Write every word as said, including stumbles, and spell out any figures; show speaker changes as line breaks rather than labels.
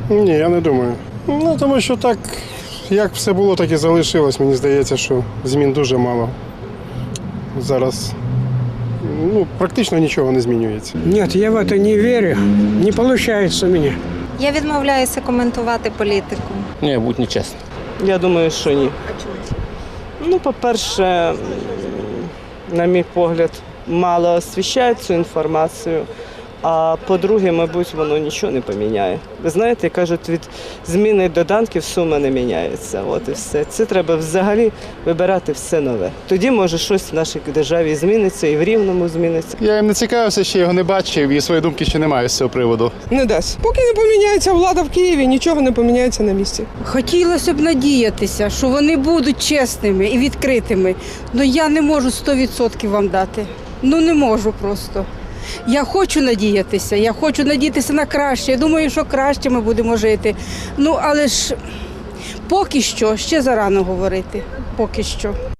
Ні, я не думаю. Ну, тому що так, як все було, так і залишилось. Мені здається, що змін дуже мало. Зараз ну, практично нічого не змінюється.
Нет, я в это не верю. Не получается у меня.
Я відмовляюся коментувати політику.
Ні, будь нечесно.
Я думаю, що ні. Ну, по-перше, на мій погляд, мало освіщають цю інформацію. А по-друге, мабуть, воно нічого не поміняє. Ви знаєте, кажуть, від зміни доданків сума не міняється. От і все. Це треба взагалі вибирати все нове. Тоді, може, щось в нашій державі зміниться і в Рівному зміниться.
Я їм не цікавився, ще його не бачив і свої думки ще не маю з цього приводу.
Не дасть. Поки не поміняється влада в Києві, нічого не поміняється на місці.
Хотілося б надіятися, що вони будуть чесними і відкритими. Але я не можу сто відсотків вам дати. Ну не можу просто. Я хочу надіятися, я хочу надіятися на краще. Я думаю, що краще ми будемо жити. Ну, але ж поки що ще зарано говорити. Поки що.